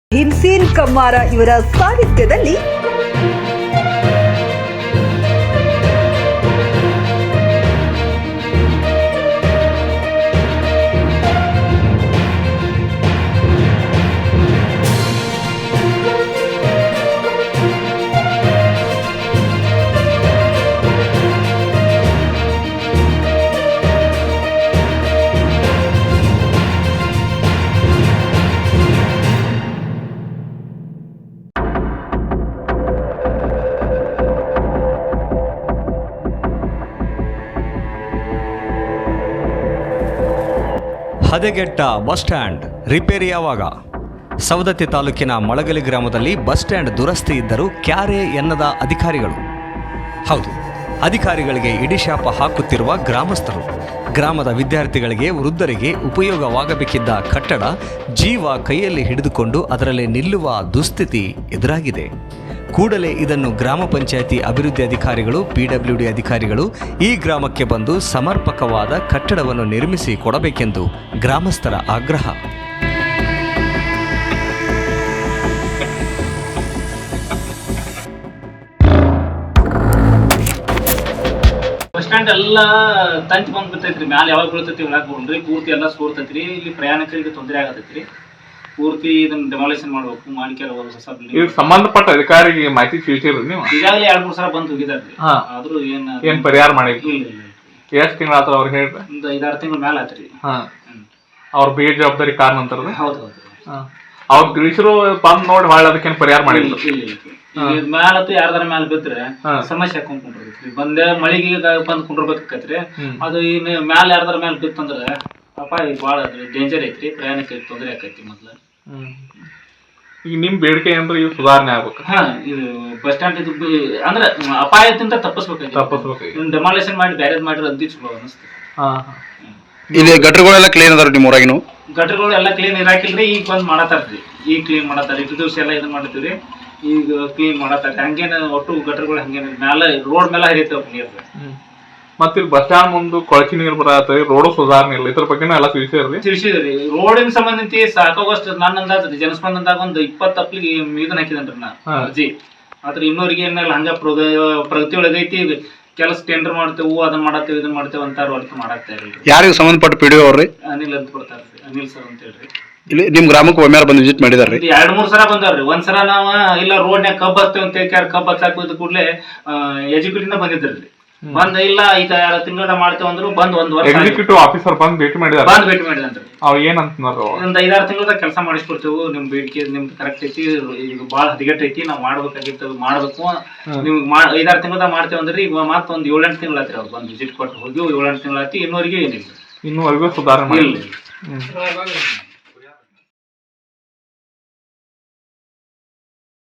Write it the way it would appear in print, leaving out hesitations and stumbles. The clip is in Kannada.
ಭೀಮ್ಸೇನ್ ಕಮ್ಮಾರ ಇವರ ಸಾಹಿತ್ಯದಲ್ಲಿ ಹದಗೆಟ್ಟ ಬಸ್ ಸ್ಟ್ಯಾಂಡ್ ರಿಪೇರಿ ಯಾವಾಗ? ಸವದತ್ತಿ ತಾಲೂಕಿನ ಮಳಗಲಿ ಗ್ರಾಮದಲ್ಲಿ ಬಸ್ ಸ್ಟ್ಯಾಂಡ್ ದುರಸ್ತಿ ಇದ್ದರೂ ಕ್ಯಾರೆ ಎನ್ನದ ಅಧಿಕಾರಿಗಳು. ಹೌದು, ಅಧಿಕಾರಿಗಳಿಗೆ ಇಡಿಶಾಪ ಹಾಕುತ್ತಿರುವ ಗ್ರಾಮಸ್ಥರು. ಗ್ರಾಮದ ವಿದ್ಯಾರ್ಥಿಗಳಿಗೆ, ವೃದ್ಧರಿಗೆ ಉಪಯೋಗವಾಗಬೇಕಿದ್ದ ಕಟ್ಟಡ ಜೀವ ಕೈಯಲ್ಲಿ ಹಿಡಿದುಕೊಂಡು ಅದರಲ್ಲಿ ನಿಲ್ಲುವ ದುಸ್ಥಿತಿ ಎದುರಾಗಿದೆ. ಕೂಡಲೇ ಇದನ್ನು ಗ್ರಾಮ ಪಂಚಾಯಿತಿ ಅಭಿವೃದ್ಧಿ ಅಧಿಕಾರಿಗಳು, PWD ಅಧಿಕಾರಿಗಳು ಈ ಗ್ರಾಮಕ್ಕೆ ಬಂದು ಸಮರ್ಪಕವಾದ ಕಟ್ಟಡವನ್ನು ನಿರ್ಮಿಸಿ ಕೊಡಬೇಕೆಂದು ಗ್ರಾಮಸ್ಥರ ಆಗ್ರಹ. ಬಸ್ ಸ್ಟ್ಯಾಂಡ್ ಎಲ್ಲ ತಂಚ್ ಬಂದ್ ಬಿರ್ತೈತ್ರಿ. ಮ್ಯಾಲ ಯಾವಾಗ ಬೀಳ್ತೈತಿ ಹೇಳಕ್ ಬರಲ್ರಿ. ಪೂರ್ತಿ ಎಲ್ಲ ಸೋರ್ತೈತ್ರಿ. ಇಲ್ಲಿ ಪ್ರಯಾಣಿಕರಿಗೆ ತೊಂದರೆ ಆಗತೈತ್ರಿ. ಪೂರ್ತಿ ಇದನ್ನ ಡೆಮಾಲಿಷನ್ ಮಾಡ್ಬೇಕು. ಮಾಡಿಕೆಲ್ಲ ಹೊಸ ಇದಕ್ಕೆ ಸಂಬಂಧಪಟ್ಟ ಅಧಿಕಾರಿಗೆ ಮಾಹಿತಿ ತಿಳಿಸಿರಿ ನೀವು? ಈಗಾಗಲೇ 2-3 ಸಲ ಬಂದು ಹೋಗಿದಾರ್ರಿ. ಆದ್ರೂ ಏನ್ ಪರಿಹಾರ ಮಾಡಿಲ್ಲ. ಇಲ್ಲ ಎಷ್ಟ್ ತಿಂಗಳ ಆತರ ಅವ್ರು ಹೇಳ್ರಿ? ಒಂದು 5-6 ತಿಂಗಳ ಮ್ಯಾಲ ಆತ್ರಿ. ಅವ್ರ ಬೇಗ ಜವಾಬ್ದಾರಿ ಕಾರಣ ಅಂತಾರ. ಹೌದು ಅವ್ರ ತಿಳಿಸಿರೋ ಬಂದ್ ನೋಡಿ ಮಾಡಿ ಅದಕ್ಕೇನ್ ಪರಿಹಾರ ಮಾಡಿಲ್ಲ. ಮ್ಯಾಲತ್ತು ಯಾರ್ದಾರ ಮ್ಯಾಲ ಬಿದ್ರೆ ಸಮಸ್ಯೆ ಹಾಕೊಂಡ್ ಕುಂಡಿರ್ತೈತ್ರಿ. ಬಂದೆ ಮಳಿಗೆ ಬಂದ್ ಕುಂಡಿರ್ಬೇಕಾಕೈತ್ರಿ. ಅದು ಇನ್ನು ಮ್ಯಾಲ ಯಾರ್ದಾರ ಮ್ಯಾಲ ಬಿತ್ತಂದ್ರ ಅಪಾಯ ಬಾಳ ಡೇಂಜರ್ ಐತ್ರಿ. ಪ್ರಯಾಣಕ್ಕೆ ತೊಂದರೆ ಆಕೈತಿ. ಮೊದ್ಲು ಈಗ ನಿಮ್ ಬೇಡಿಕೆ ಅಂದ್ರೆ ಇವ್ ಸುಧಾರಣೆ ಆಗ್ಬೇಕು. ಇದು ಬಸ್ ಸ್ಟ್ಯಾಂಡ್ ಇದು ಅಂದ್ರೆ ಅಪಾಯದಿಂದ ತಪ್ಪಿಸ್ಬೇಕು. ಡೆಮಾಲಿಷನ್ ಮಾಡಿ ಬ್ಯಾರೇಜ್ ಮಾಡಿದ್ರೆ ಅತಿ ಚಲೋ ಅನಿಸ್ತು. ಇಲ್ಲಿ ಗಟ್ರಗಳೆಲ್ಲ ಕ್ಲೀನ್ ಅದಾರ ನಿಮ್ಮ ಊರಾಗಿನು? ಗಟ್ರಗಳು ಎಲ್ಲ ಕ್ಲೀನ್ ಇರಾಕಿಲ್ರಿ. ಈಗ ಬಂದ್ ಮಾಡತಾರ್ರಿ. ಈಗ ಕ್ಲೀನ್ ಮಾಡತಾರ. ಇಟ್ಟು ದಿವಸ ಎಲ್ಲ ಇದು ಮಾಡ್ತೀವ್ರಿ. ಈಗ ಕ್ಲೀನ್ ಮಾಡತಾರ. ಹಂಗೇನ ಒಟ್ಟು ಗಟ್ರಗಳು ಹಂಗೇನ ಮ್ಯಾಲ ರೋಡ್ ಮೇಲೆ ಹರಿಯತ್ತವ ನೀರ್. ಮತ್ತೆ ಇಲ್ಲಿ ಬಸ್ ಸ್ಟ್ಯಾಂಡ್ ಮುಂದೆ ಕೊಳಚಿ ನೀರು ಬರತ್ತರಿ. ರೋಡ್ ಸುಧಾರಣೆ ಇಲ್ಲ. ಇದ್ರ ಬಗ್ಗೆ ಎಲ್ಲ ತಿಳಿಸಿದ್ರಿ. ರೋಡಿನ ಸಂಬಂಧಿಸಿ ಸಾಕಾಗೋಷ್ಟು ನನ್ನ ಅಂದಾಜ್ರಿ ಜನಸ್ಪಂದನದಾಗ ಒಂದು 20 ಅಪ್ಲಿಗೆ ಇದನ್ನ ಹಾಕಿದನ್ರಿ ನಾ ಅರ್ಜಿ. ಆದ್ರೆ ಇನ್ನೂರಿಗೆ ಏನಿಲ್ಲ ಹಂಗ ಪ್ರಗತಿ ಒಳಗೈತಿ. ಕೆಲಸ ಟೆಂಡರ್ ಮಾಡ್ತೇವು, ಅದನ್ನ ಮಾಡತ್ತೇವೆ, ಇದನ್ನ ಮಾಡ್ತೇವೆ ಅಂತಾರ. ವರ್ಕ್ ಮಾಡಾಕ್ತಾ ಇರಲ್ರಿ. ಯಾರಿಗೆ ಸಂಬಂಧಪಟ್ಟ PDO ಅವ್ರಿ? ಅನಿಲ್ ಅಂತ ಬರ್ತಾರ್ರಿ. ಅನಿಲ್ ಸರ್ ಅಂತ ಹೇಳ್ರಿ. ಇಲ್ಲಿ ನಿಮ್ ಗ್ರಾಮಕ್ಕೆ ಒಮ್ಮೆ ಬಂದು ವಿಸಿಟ್ ಮಾಡಿದಾರ್ರಿ? 2-3 ಸಲ ಬಂದಾರ್ರಿ. ಒಂದ್ಸಲ ನಾವ ಇಲ್ಲ ರೋಡ್ನ್ಯಾಗ ಕಬ್ಬ್ ಹತ್ತೇವೆ ಅಂತ ಕಬ್ಬ್ ಹಚ್ಚಾಕ ಕೂಡಲೇ ಎಜುಕೇಟಿಂದ ಬಂದಿದ್ರಿ. ಬಂದ ಇಲ್ಲ ಈಗ 2 ತಿಂಗಳ ಮಾಡ್ತೇವೆ ಅಂದ್ರು. ಬಂದ್ 1 ವರ್ಷ ಎಕ್ಸಿಕ್ಯೂಟಿವ್ ಆಫೀಸರ್ ಬಂದ್ ಭೇಟಿ ಮಾಡಿದಾರೆ. ಅವ್ರು ಏನಂತಂದ್ರು? ಒಂದ್ 5-6 ತಿಂಗಳದಾಗ ಕೆಲಸ ಮಾಡಿಸ್ಕೊಡ್ತೇವೆ. ನಿಮ್ ಬೇಡಿಕೆ ನಿಮ್ದು ಕರೆಕ್ಟ್ ಐತಿ. ಈಗ ಬಾಳ ಹದಗೆಟ್ಟೈತಿ. ನಾವ್ ಮಾಡ್ಬೇಕಾಗಿತ್ತು, ಮಾಡ್ಬೇಕು. ನಿಮ್ಗೆ 5-6 ತಿಂಗಳದಾಗ ಮಾಡ್ತೇವೆ ಅಂದ್ರಿ. ಈಗ ಮತ್ತೊಂದ್ 7-8 ತಿಂಗಳ ಆತ್ರಿ. ಅವ್ರು ಬಂದ್ ವಿಸಿಟ್ ಕೊಟ್ಟು ಹೋಗಿ 7-8 ತಿಂಗಳ ಆಯ್ತು. ಇನ್ನೂವರೆಗೆ ಏನಿಲ್ಲ. ಇನ್ನೂವರೆಗೂ ಸುಧಾರಣೆ ಇಲ್ಲ.